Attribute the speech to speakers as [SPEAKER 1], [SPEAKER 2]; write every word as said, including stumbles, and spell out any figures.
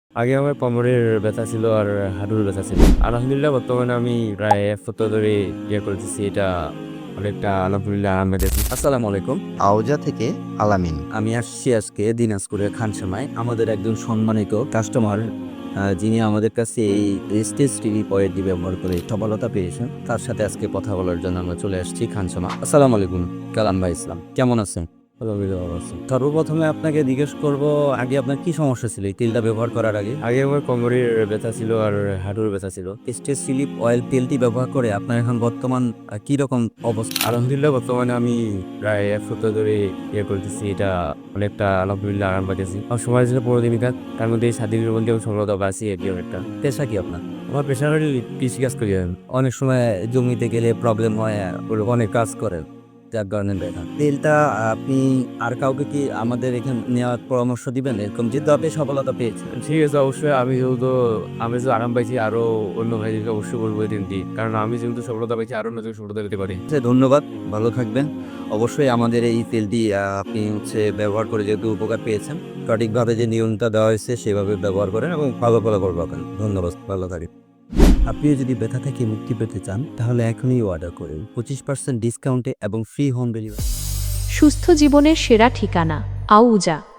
[SPEAKER 1] আগে আমার কোমরের ব্যথা ছিল আর হাঁটুর ব্যথা ছিল। আলহামদুলিল্লাহ বর্তমানে আমি প্রায় এক সপ্তাহ ধরে ইয়ে করতেছি। এটা অনেকটা আলহামদুলিল্লাহ আরাম পেতেছি।
[SPEAKER 2] আসসালামু আলাইকুম।
[SPEAKER 3] আওজা থেকে আলামিন।
[SPEAKER 2] আমি আসছি আজকে দিনাজপুরের খানসামায়। আমাদের একজন সম্মানিত কাস্টমার আ যিনি আমাদের কাছে এই রেস্টেজ টিভি পয়েন্টটি ব্যবহার করে সফলতা পেয়েছেন, তার সাথে আজকে কথা বলার জন্য আমরা চলে আসছি খানসামা। আসসালামু আলাইকুম কালাম ভাই ইসলাম। কেমন আছেন?
[SPEAKER 1] আলহামদুলিল্লাহ ভালো আছি।
[SPEAKER 2] সর্বপ্রথমে আপনাকে জিজ্ঞেস করব, আগে আপনার কি সমস্যা ছিল এই তেলটা ব্যবহার করার আগে?
[SPEAKER 1] আগে আমার কোমরের ব্যথা ছিল আর হাঁটুর ব্যথা ছিল।
[SPEAKER 2] রেস্টেজ স্লিপ অয়েল তেলটি ব্যবহার করে আপনার এখন বর্তমান আ কিরকম অবস্থা?
[SPEAKER 1] আলহামদুলিল্লাহ বর্তমানে আমি প্রায় এক সপ্তাহ ধরে ইয়ে করতেছি। এটা অনেকটা আলহামদুলিল্লাহ আরাম পাইতেছি। আমার সময় ছিল পনেরো দিন কাজ, তার মধ্যে এই সাত দিনের মধ্যে আমি সফলতা পাচ্ছি আর কি অনেকটা।
[SPEAKER 2] পেশা কি আপনার?
[SPEAKER 1] আমার পেশার কৃষি কাজ করি আমি।
[SPEAKER 2] অনেক সময় জমিতে গেলে প্রবলেম হয়, ওরা অনেক কাজ করেন, যার কারণে ব্যথা। তেলটা আপনি আর কাউকে কি আমাদের এখানে নেওয়ার পরামর্শ দিবেন? এরকম যেহেতু আপনি সফলতা পেয়েছেন।
[SPEAKER 1] ঠিক আছে, অবশ্যই আমি যেহেতু আমি যে আরাম পাইছি আরো অন্য ভাইদেরকে অবশ্যই বলবো এই দিনটি, কারণ আমি যেহেতু সফলতা পাইছি আরো নতুন সফলতা পেতে পারি।
[SPEAKER 2] আচ্ছা, ধন্যবাদ, ভালো থাকবেন। অবশ্যই আমাদের এই তেলটি আহ, আপনি হচ্ছে ব্যবহার করে যেহেতু উপকার পেয়েছেন, সঠিকভাবে যে নিয়মটা দেওয়া হয়েছে সেভাবে ব্যবহার করেন এবং ভালো ফলাফল পাবেন। ধন্যবাদ, ভালো থাকেন। আপনিও যদি ব্যথা থেকে মুক্তি পেতে চান তাহলে এখনই অর্ডার করুন পঁচিশ পার্সেন্ট ডিসকাউন্টে এবং ফ্রি হোম ডেলিভারি।
[SPEAKER 4] সুস্থ জীবনের সেরা ঠিকানা আউজা।